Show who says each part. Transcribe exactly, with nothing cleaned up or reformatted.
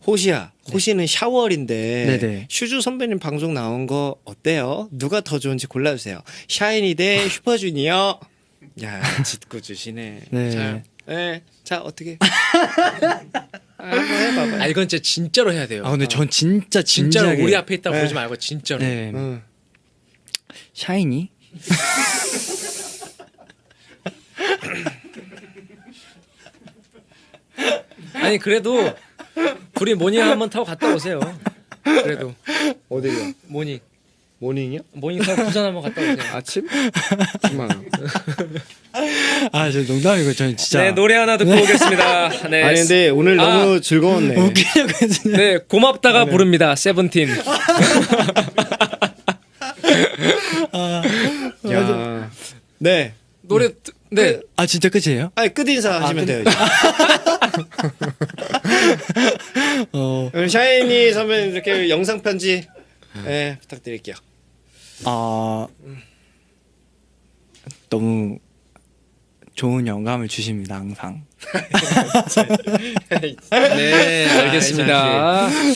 Speaker 1: 호시야, 호시는 샤월인데
Speaker 2: 네네.
Speaker 1: 슈즈 선배님 방송 나온 거 어때요? 누가 더 좋은지 골라주세요. 샤이니 대 슈퍼주니어. 야, 짓고 주시네.
Speaker 2: 네.
Speaker 1: 자, 네, 자 어떻게? 아, 한번 해봐봐.
Speaker 3: 아 이건 진짜 진짜로 해야 돼요.
Speaker 2: 아 근데 전 진짜
Speaker 3: 진짜로
Speaker 2: 진지하게
Speaker 3: 우리 앞에 있다고
Speaker 1: 네.
Speaker 3: 그러지 말고 진짜로.
Speaker 2: 네.
Speaker 1: 응.
Speaker 2: 샤이니?
Speaker 3: 아니 그래도 둘이 모닝 한번 타고 갔다 오세요. 그래도
Speaker 1: 어디요?
Speaker 3: 모닝
Speaker 1: 모닝이요?
Speaker 3: 모닝 타고 부산 한번 갔다 오세요.
Speaker 1: 아침? 십만 원.
Speaker 2: 아 저 농담이고 저는 진짜
Speaker 3: 네 노래 하나 듣고 오겠습니다. 네.
Speaker 1: 아니 근데 오늘
Speaker 3: 아.
Speaker 1: 너무 즐거웠네.
Speaker 2: 웃기려고 했는데
Speaker 3: 네 고맙다가 부릅니다. 세븐틴.
Speaker 1: 야, 네.
Speaker 3: 노래 듣- 네.
Speaker 2: 아 진짜 끝이에요?
Speaker 1: 아니 끝 인사 하시면 돼요. 이제.
Speaker 2: 어,
Speaker 1: 그럼 샤이니 선배님 이렇게 영상 편지 네, 부탁드릴게요.
Speaker 2: 아 너무 좋은 영감을 주십니다 항상.
Speaker 3: 네 알겠습니다.